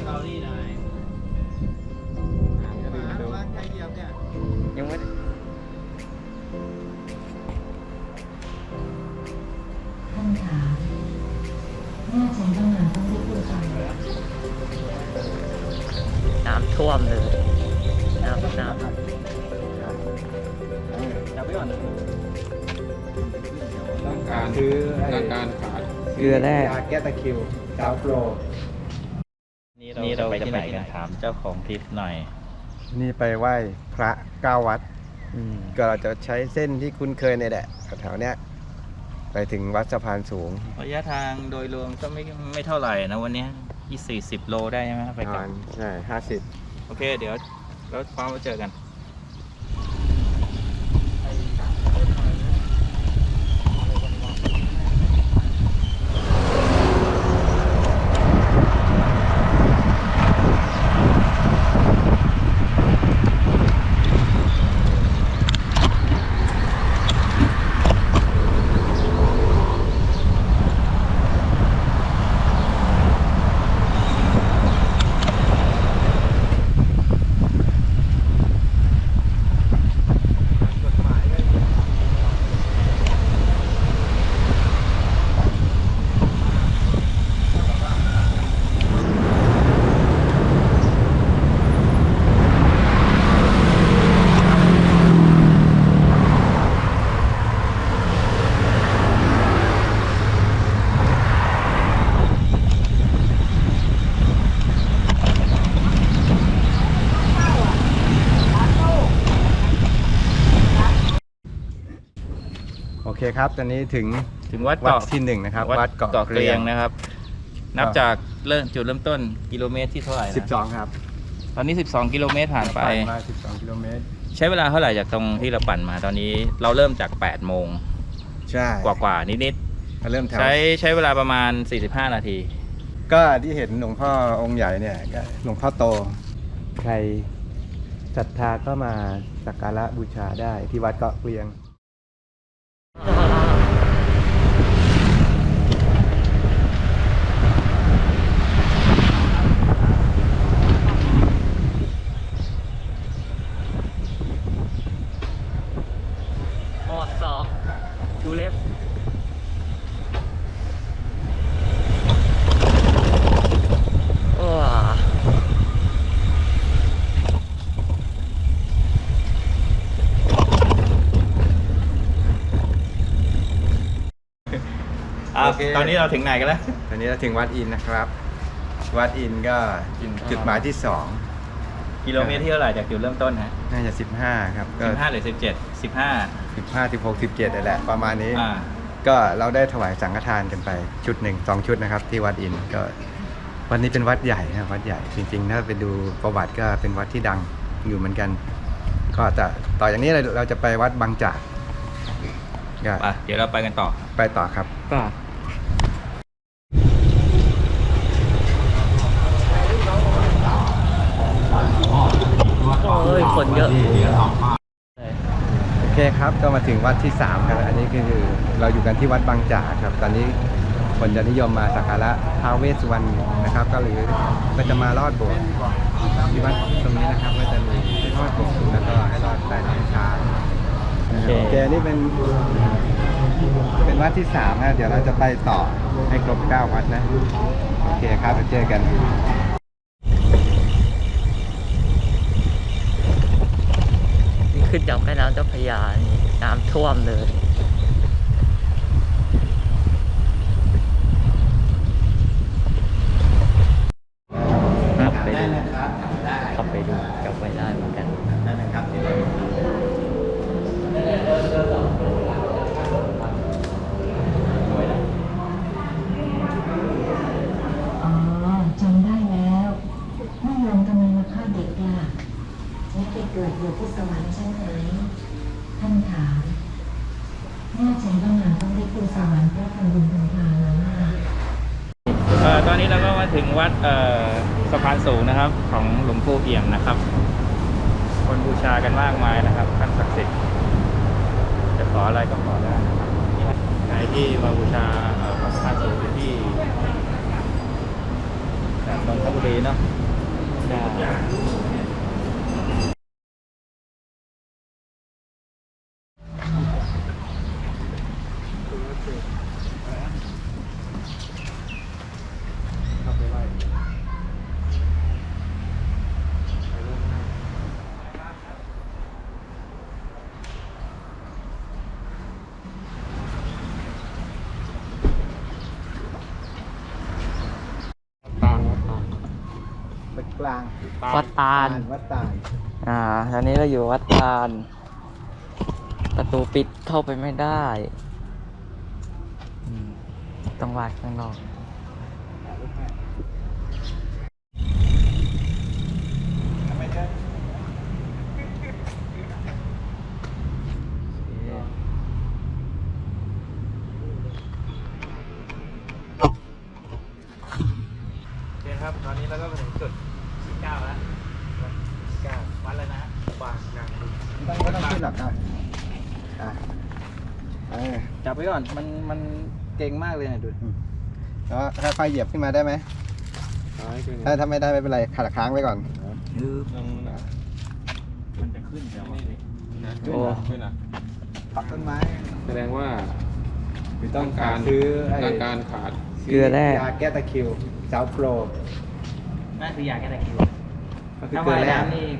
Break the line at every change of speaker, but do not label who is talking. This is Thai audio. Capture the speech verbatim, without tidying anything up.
เกาหลีหน่อยร้านไก่เดียวเนี่ยยังไม่
ท่านขาแม่ฉันต้องงานต้องรีบพูดกันน้ำท่วมเลยน้ำน้ำ
จับไว้ก่อน
ต้องการคือต้องการขาด
เกลือแร่ยาแก้ตะคริวดาวโปร
นี่เราไปที่ไหนกันถามเจ้าของทริปหน่อย
นี่ไปไหว้พระเก้าวัดก็เราจะใช้เส้นที่คุ้นเคยในแหละแถวๆเนี้ยไปถึงวัดสะพานสูง
ระยะทางโดยรวมก็ไม่ไม่เท่าไหร่นะวันนี้ยี่สี่สิบโลได้ใช่ไหมไปกลับ
ใช่ห้าสิบ
โอเคเดี๋ยวรถฟ้ามาเจอกัน
โอเคครับตอนนี้ถึง
ถึงวัด
วัด
เกาะ
ที่หนึ่งนะครับ
วัดเกาะเกรียงนะครับนับจากเริ่มจุดเริ่มต้นกิโลเมตรที่เท่าไหร่นะ
สิบสองครับ
ตอนนี้สิบสองกิโลเมตรผ่านไป
มาสิบสองกิโลเมตร
ใช้เวลาเท่าไหร่จากตรงที่เราปั่นมาตอนนี้เราเริ่มจากแปดโมง
ใช่
กว่าๆนิด
ๆเริ่ม
ใช้ใช้เวลาประมาณสี่สิบห้านาที
ก็ที่เห็นหลวงพ่อองค์ใหญ่เนี่ยก็หลวงพ่อโตใครศรัทธาก็มาสักการะบูชาได้ที่วัดเกาะเกรียง
ดูเล็บว้า
ตอนนี้เราถึงไหนกันแล้ว
ตอนนี้เราถึงวัดอินนะครับวัดอินก็จุดหมายที่สอง
กิโลเมตรที่เท่าไหร่จากจุดเริ่มต้นฮะ
น่าจะสิบห้าครับ
ก็สิบห้าหรือสิบเจ็ดสิบห้า
สิบห้าสิบหกสิบเจ็ดนั่นแหละประมาณนี้ก็เราได้ถวายสังฆทานกันไปชุดหนึ่งสองชุดนะครับที่วัดอินก็วันนี้เป็นวัดใหญ่นะวัดใหญ่จริงๆถ้าไปดูประวัติก็เป็นวัดที่ดังอยู่เหมือนกันก็จะต่ออย่างนี้เราจะไปวัดบางจาก
เดี๋ยวเราไปกันต่อ
ไปต่อครับ
ก็
เฮ้ยคนเยอะ
โอเคครับก็มาถึงวัดที่สามครับอันนี้คือเราอยู่กันที่วัดบางจากครับตอนนี้คนจะนิยมมาสักการะท้าวเวสสุวรรณนะครับก็หรือก็จะมาลอดโบสถ์ที่วัดตรงนี้นะครับก็จะมีให้ลอดโบสถ์แล้วก็ให้ลอดแต่น้ำชาโอเคนี่เป็นเป็นวัดที่สามนะเดี๋ยวเราจะไปต่อให้ครบเก้าวัดนะโอเคครับเจอกัน
ขึ้นจากแม่น้ำเจ้าพระยานี่น้ำท่วมเลยขับไปดูขับไปดูกลับไปได้เหมือนกันอ๋อจำได้แล้วแม่โยมทำไมมาฆ่าเด็กล่ะไม่ไปเกิดอยู่ที่สวรรค์ใช่ไหมท่านถามแม่ฉันต้องงานต้องได้ขึ้นสวรรค์เพราะทำบุญทำทานแล้วนะ
ตอนนี้เราก็มาถึงวัดสะพานสูงนะครับของหลวงปู่เอี่ยมนะครับคนบูชากันมากมายนะครับขันศักดิ์สิทธิ์จะขออะไรก็ขอได้นะครับใครที่มาบูชาพระสะพานสูงที่นนทบุรีเนาะใช่
ตาลวัดตาล
วัดกลาง
วัดตาล
วัดตาล
อ่าตอนนี้เราอยู่วัดตาล ประตูปิดเข้าไปไม่ได้อืมต้องวาดข้างนอกโอเคครับ ตอนนี้เราก็มาถึงจุดที่เก้าแล้ววัดที่เก้าวัดอะไรนะฮะบางนางบุญ
ต้องไม่ต้องขึ้นหรอกอ่ะอ่ะเออ
จับไว้ก่อน มัน มันเก่งมากเลยนะดู
แล้วค่อยๆเหยียบขึ้นมาได้ไหม
ซ้ายขึ้น
ถ้าถ้าไม่ได้ไม่เป็นไรขัดค้างไว้ก่อน
ยืบ
ลงนะ
มันจะขึ้นแล้ว
นี่นี่นะ
โอ้
ขึ้นอ่ะ
ปักต้นไม้
แสดงว่า
ต้อง
การ
ซื้อไอ้
ต้องการขาด
เกลือแร่
ยาแก้ตะคริวสาวโปร
นั่นคือยาแก้ตะคริว
ก็คือ
ถ้า
เกลือ
ว่าย
แร่
น้ำนี่